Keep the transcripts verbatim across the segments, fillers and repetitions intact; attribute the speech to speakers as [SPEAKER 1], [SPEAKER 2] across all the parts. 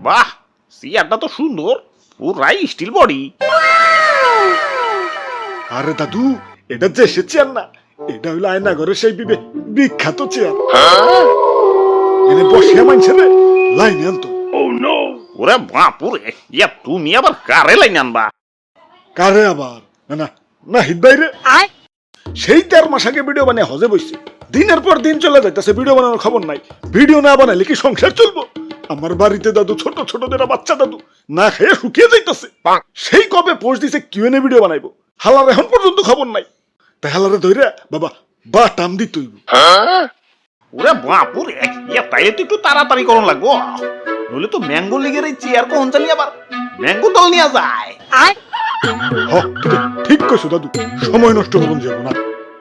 [SPEAKER 1] বাহ, চেয়ারটা তো সুন্দর, পুরাই স্টিল বডি।
[SPEAKER 2] আরে দাদু, এটা যে সে চেয়ার না, এটা হইলো আয়নাঘরের সেই বিবে বিখ্যাত চেয়ার। এনে বসে মানছে রে লাইনে আনতো।
[SPEAKER 1] ওরে বাপুরে, ইয়া তুমি আবার কারে লাইন আনবা?
[SPEAKER 2] কারে আবার? না না নাহিদ বাইরে সেই দেড় মাস আগে ভিডিও বানিয়ে হজে বসছে, দিনের পর দিন চলে যাইতেছে, ভিডিও বানানোর খবর নাই। ভিডিও না বানাইলে কি সংসার চলবো? আমার বাড়িতে দাদু ছোট ছোট যারা বাচ্চা দাদু না খেয়ে শুকিয়ে যাইতেছে। সেই কবে পোস্ট দিছে কিউএনএ ভিডিও বানাইবো, হালার এখন পর্যন্ত খবর নাই। তাই হালারে ধইরা বাবা বা টাম দিত হইব।
[SPEAKER 1] ওরে বাপুরে, ইয়া তাইলে তো একটু তাড়াতাড়ি করন লাগবো, নইলে তো ম্যাঙ্গো লিগের এই চেয়ার কোন জানি আবার ম্যাঙ্গো দল নিয়ে যায়।
[SPEAKER 2] হ তুই ঠিক কইছো দাদু, সময় নষ্ট করুন যাব না।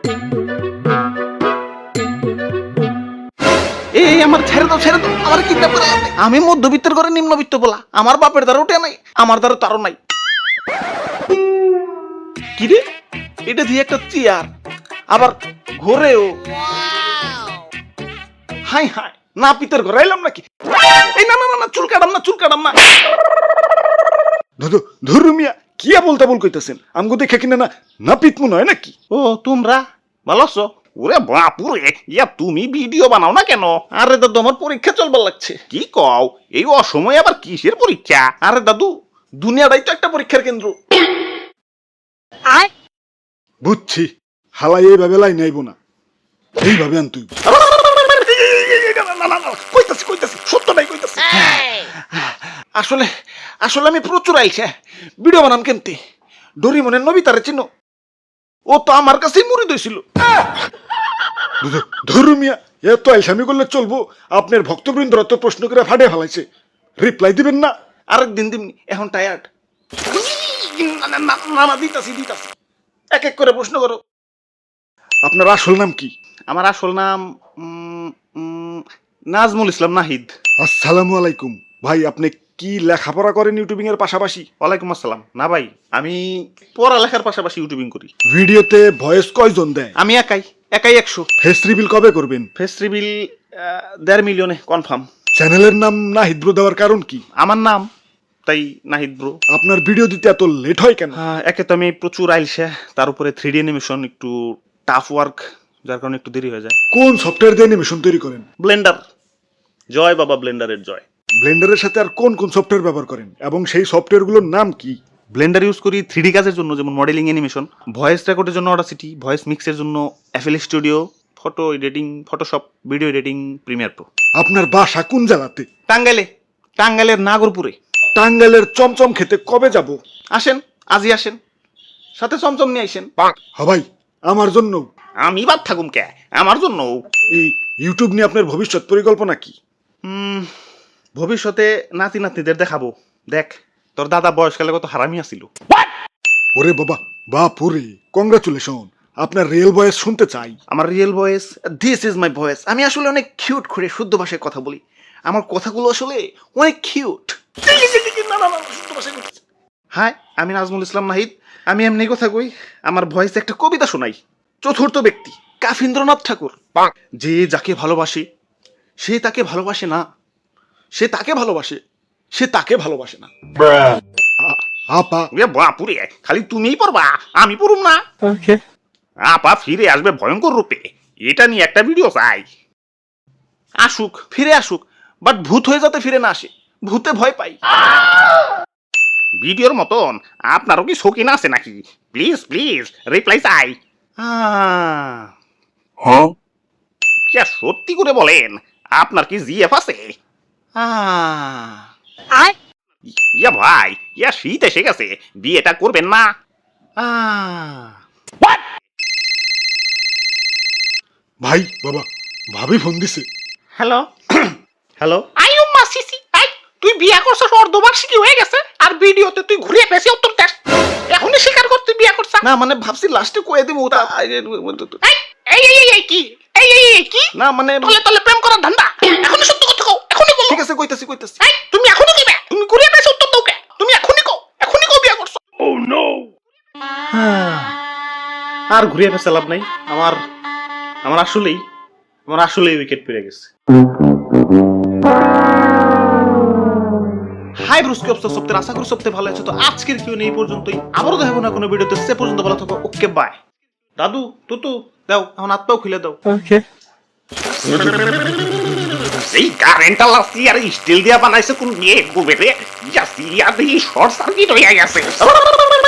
[SPEAKER 1] এই আমার ছেড়ে দাও, ছেড়ে দাও, আমার কিডন্যাপ করে আনবে। আমি মধ্যবিত্তের ঘরে নিম্নবিত্ত বলা, আমার বাপের দ্বারা উঠে নাই, আমার দ্বারা তারও নাই। কি রে, এটা দিয়ে একটা চেয়ার, আবার ঘরেও। হাই হাই, না পিতের ঘরে এলাম নাকি? এই না না না, চুল কাটাম না, চুল কাটাম না।
[SPEAKER 2] দাদু ধরু মিয়া কিয়া বলতে বল কইতাছেন, আমগো দেখে কিনা না না পিতমু নয় নাকি?
[SPEAKER 1] ও তোমরা ভালো আছো? ওরে বাপুরে, ইয়া তুমি ভিডিও বানাও না কেন? আরে দাদু, আমার পরীক্ষা চলবার লাগছে। কি কও, এই অসময়ে আবার কিসের পরীক্ষা? আরে দাদু, দুনিয়াটাই তো একটা পরীক্ষার কেন্দ্র।
[SPEAKER 2] বুঝছি, হালাই এইভাবে লাইন আইব না, এইভাবে আন তুই।
[SPEAKER 1] কইতাছি কইতাছি সত্যটাই কইতাছি। আসলে আসলে আমি প্রচুর আইছে ভিডিও বানাম কেমতে। ডোরিমনের নবিতারে চিনো? ও তো আমার কাছেই মুড়ি দিয়েছিল।
[SPEAKER 2] ধরু মিয়া এত আইসামি করলে চলবো? আপনার ভক্তবৃন্দরা তো প্রশ্ন করে ফাটে ফেলাইছে, রিপ্লাই দিবেন না?
[SPEAKER 1] আরেক দিন দিমনি, এখন টায়ার্ড। না না, দিতাছি দিতাছি, এক এক করে প্রশ্ন করো।
[SPEAKER 2] আপনার আসল নাম কি?
[SPEAKER 1] আমার আসল নাম উম, উম, নাজমুল ইসলাম নাহিদ।
[SPEAKER 2] আসসালামু আলাইকুম ভাই, আপনি কি লেখাপড়া করেন ইউটিউবিং এর পাশাপাশি?
[SPEAKER 1] ওয়ালাইকুম আসসালাম। না ভাই, আমি পড়ালেখার পাশাপাশি ইউটিউবিং করি।
[SPEAKER 2] ভিডিওতে ভয়েস কয়জন দেয়?
[SPEAKER 1] আমি একাই, একাই একশো।
[SPEAKER 2] ফেস রিভিল কবে করবেন?
[SPEAKER 1] ফেস রিভিল দেড় মিলিয়নে কনফার্ম।
[SPEAKER 2] চ্যানেলের নাম নাহিদ ব্রো দেওয়ার কারণ কি?
[SPEAKER 1] আমার নাম, তাই নাহিদ ব্রো।
[SPEAKER 2] আপনার ভিডিও দিতে এত লেট হয় কেন?
[SPEAKER 1] একে তো আমি প্রচুর আইলসে, তার উপরে থ্রি ডি অ্যানিমেশন একটু টাফ ওয়ার্ক, যার কারণে একটু দেরি হয়ে যায়।
[SPEAKER 2] কোন সফটওয়্যার দিয়ে অ্যানিমেশন তৈরি করেন?
[SPEAKER 1] ব্লেন্ডার। জয় বাবা, ব্লেন্ডারের জয়।
[SPEAKER 2] ব্লেন্ডারের সাথে আর কোন কোন সফটওয়্যার ব্যবহার করেন এবং সেই সফটওয়্যারগুলোর নাম কি?
[SPEAKER 1] ব্লেন্ডার ইউজ করি থ্রি ডি কাজের জন্য, যেমন মডেলিং অ্যানিমেশন, ভয়েস রেকর্ডের জন্য অডাসিটি, ভয়েস মিক্সের জন্য FL Studio, photo editing Photoshop, video editing Premiere Pro.
[SPEAKER 2] আপনার বাসা কোন জেলাতে?
[SPEAKER 1] টাঙ্গাইলে, টাঙ্গাইলের নাগরপুরে।
[SPEAKER 2] টাঙ্গাইলের চমচম খেতে কবে যাব?
[SPEAKER 1] আসেন, আজই আসেন, সাথে চমচম নিয়ে আসেন।
[SPEAKER 2] হ্যাঁ ভাই, আমার জন্য।
[SPEAKER 1] আমি বাদ থাকুম কে, আমার জন্য।
[SPEAKER 2] এই ইউটিউব নিয়ে আপনার ভবিষ্যৎ পরিকল্পনা কি?
[SPEAKER 1] হুম, ভবিষ্যতে নাতি নাতনিদের দেখাবো, দেখ তোর দাদা বয়সকালে কত হারামি আছিল।
[SPEAKER 2] ওরে বাবা, বাপুরে, কংগ্রাচুলেশন, আপনার রিয়েল ভয়েস শুনতে চাই।
[SPEAKER 1] আমার real voice, this is my voice. আমি আসলে অনেক কিউট করে শুদ্ধ ভাষায় কথা বলি, আমার কথাগুলো আসলে অনেক কিউট। হাই, আমি নাজমুল ইসলাম নাহিদ, আমি এমনি কথা কই, আমার ভয়েসে একটা কবিতা শোনাই। চতুর্থ ব্যক্তি কাফিন্দ্রনাথ ঠাকুর। যে যাকে ভালোবাসে সে তাকে ভালোবাসে না, সে তাকে ভালোবাসে সে তাকে ভালোবাসে না।
[SPEAKER 2] আপা
[SPEAKER 1] বাপুরে, খালি তুমিই পড়বা, আমি পড়ুম না? আপা ফিরে আসবে ভয়ঙ্কর রূপে, এটা নিয়ে একটা ভিডিও চাই। আসুক, ফিরে আসুক, বাট ভূত হয়ে যাতে ফিরে না আসে, ভূতে ভয় পাই। ভিডিওর মতন আপনারও কি শৌখিন আছে নাকি? প্লিজ প্লিজ রিপ্লাই চাই। হ্যাঁ, সত্যি করে বলেন, আপনার কি জিএফ আছে? ইয়া ভাই, ইয়া শীত এসে গেছে, বিয়েটা করবেন না?
[SPEAKER 2] ভাই বাবা, ভাবি ফোন দিছে।
[SPEAKER 1] হ্যালো হ্যালো, আই উম্মা সিসি, আই তুই বিয়া করছস, অর্ধবার্ষিকী হয়ে গেছে, আর ভিডিওতে তুই ঘুরিয়ে পেছি উত্তর দেস। এখনই স্বীকার কর তুই বিয়া করছস। না মানে ভাবছি লাস্টে কয়ে দেব। ওটা এই এই এই কি এই এই এই কি না মানে তলে তলে প্রেম করার ধান্দা। এখনই সত্য কথা কও, এখনই বল। ঠিক আছে, কইতাছি কইতাছি। এই তুমি এখনই কইবে, তুমি ঘুরিয়ে পেছি উত্তর দাও কে? তুমি এখনই কও, এখনই কও বিয়া করছস। ও নো, আর ঘুরিয়ে পেছে লাভ নাই। আমার আমার আসলেই আমার আসলেই উইকেট পেয়ে গেছে। হাই ব্রুস্কি অবস্থা সপ্তাহে আশা করি সপ্তাহে ভালো আছে। তো আজকের কিউ এই পর্যন্তই, আবারও দেখাবো না কোনো ভিডিওতে, সে পর্যন্ত ভালো থাকো, ওকে বাই। দাদু তুতু দাও এখন হাত পাও খুলে দাও।
[SPEAKER 3] ওকে
[SPEAKER 4] এই কারেন্টটা লাস্টি আর স্টিল দিয়া বানাইছে কোন মেয়ে গোবেরে ইয়াসি ইয়াদি শর্ট সার্কিট হইয়া গেছে